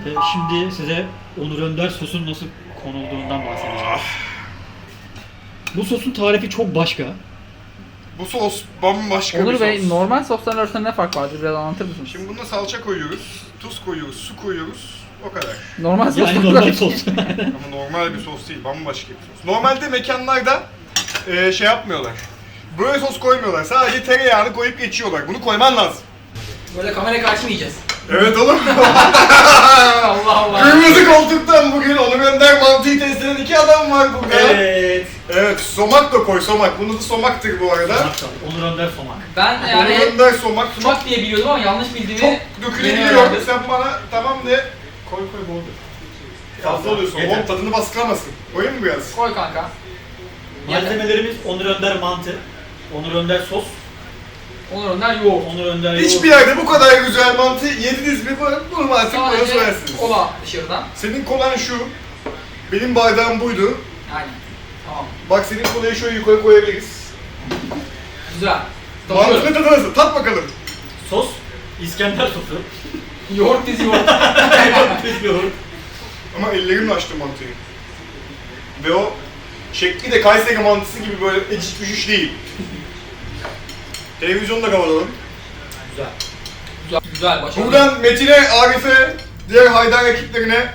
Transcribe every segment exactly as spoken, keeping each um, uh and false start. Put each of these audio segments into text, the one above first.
Ee, şimdi size Onur Önder sosun nasıl konulduğundan bahsedeceğim. Bu sosun tarifi çok başka. Bu sos bambaşka Onur bir Bey, sos. normal sosların arasında ne fark vardır? Biraz anlatır mısınız? Şimdi bunda salça koyuyoruz, tuz koyuyoruz, su koyuyoruz. O kadar. Normal Yani soslar normal sos. Ama normal bir sos değil, bambaşka bir sos. Normalde mekanlarda e, şey yapmıyorlar. Böyle sos koymuyorlar. Sadece tereyağını koyup geçiyorlar. Bunu koyman lazım. Böyle kamera karşı mı yiyeceğiz? Evet oğlum. Allah Allah. Kırmızı koltuktan bugün Onur Önder mantıyı test eden iki adam var burada. Evet. Evet, somak da koy, somak. Bunun adı somaktır bu arada. Somak tabii. Onur Önder somak. Ben Onur yani Önder somak. Çok, sumak diye biliyordum ama yanlış bildiğimi çok yeni dökülebiliyor. öğrendim. Sen bana tamam de. Koy koy bol. Fazla oluyorsun. Yeter. Oğlum tadını baskılamasın. Koyayım mı biraz? Koy kanka. Malzemelerimiz Onur Önder mantı, Onur Önder sos, Onur Önder yoğurt. Onur Önder Hiçbir yerde bu kadar güzel mantı yediniz mi? Bunu artık bana Sadece söylersiniz. kola dışarıdan. Senin kolan şu. Benim bardağım buydu. Aynen. Tamam. Bak senin kolayı şöyle yukarı koyabiliriz. Güzel. Mantının Tadıyorum. tadı nasıl? Tat bakalım. sos, İskender sosu, Yoğurt dizi yoğurt. Biz yoğurt. Ama ellerimle açtım mantıyı. Ve o şekli de Kayseri mantısı gibi böyle eciş bücüş değil. Televizyonda kapatalım. Güzel. Güzel, güzel başarılı. Buradan Metin'e, Arif'e, diğer Haydar ekiplerine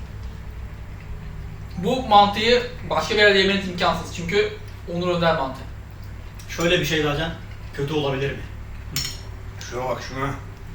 Bu mantıyı başka bir yerde yemeniz imkansız çünkü Onur Önder mantı. Şöyle bir şey zaten kötü olabilir mi? şuna bak şuna.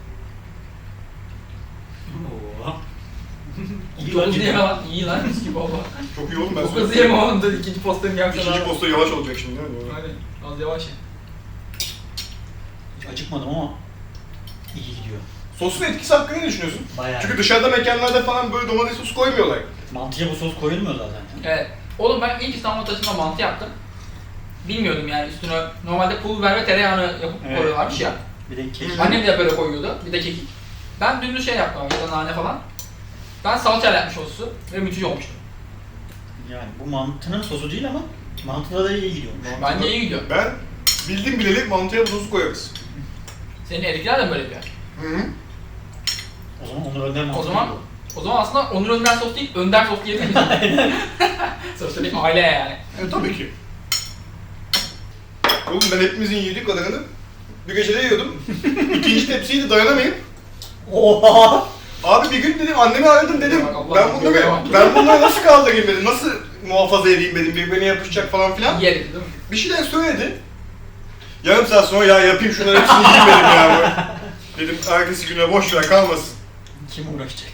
Oo. İyi Çok hızlı bence. yeme lan. İyi lan. Mis gibi oldu. Çok iyi oğlum ben Çok hızlı yeme oğlum da ikinci postanı yapsana. İkinci posta yavaş olacak şimdi değil mi? Hadi az yavaş ye. Hiç acıkmadım ama iyi gidiyor. Sosun etkisi hakkında ne düşünüyorsun? Bayağı. Çünkü dışarıda mekanlarda falan böyle domates sosu koymuyorlar. Mantıya bu sos koyulmuyor zaten. Evet. Oğlum ben ilk İstanbul taşında mantı yaptım. Bilmiyordum yani üstüne normalde pul biber ve tereyağını yapıp Evet. koyuyorlarmış ya. Bir de kekik. Annem de böyle koyuyordu. Bir de kekik. Ben dümdüz şey yaptım ya da nane falan. Ben salçayla yapmış o sosu ve müthiş olmuştu. Yani bu mantının sosu değil ama mantıda da iyi gidiyormuş. Bence iyi gidiyor. Ben bildim bileli mantıya bu sosu koyarız. Senin erikler de mi böyle yapıyor? Hı hı. O zaman Onur Önder mantı O zaman değil o zaman aslında Onur Önder sos değil, Önder sos diyebilir miyiz? Sonuçta bir aile yani. E tabii ki. Oğlum ben hepimizin yediği kadarını bir gecede yiyordum. İkinci tepsiyi de dayanamayıp bu. Oha! abi bir gün dedim annemi aradım dedim Bak Allah, ben bunları göbeğe bak. ben bunları nasıl kaldırayım dedim nasıl muhafaza edeyim dedim birbirine yapışacak falan filan. Yedik değil mi? Bir şeyler söyledi. Yarım saat sonra ya yapayım şunları hepsini yiyeyim dedim ya. Dedim ertesi güne boş ver kalmasın. Kim uğraşacak?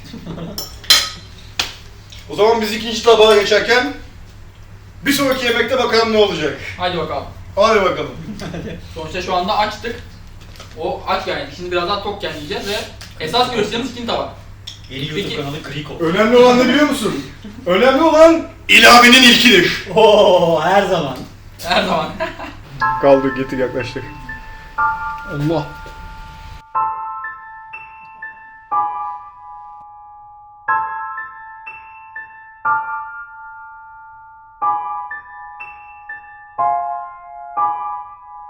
O zaman biz ikinci tabağa geçerken bir sonraki yemekte bakalım ne olacak. Hadi bakalım. Hadi bakalım. Sonuçta şu anda açtık. O aç yani. Şimdi biraz daha tokken yiyeceğiz ve esas görüşeceğimiz ikinci tabak. Yeni YouTube Peki. kanalı Kriko. Önemli olan ne biliyor musun? Önemli olan ilavenin ilkidir. Oo, her zaman. Her zaman. Kaldır getir yaklaştık. Allah.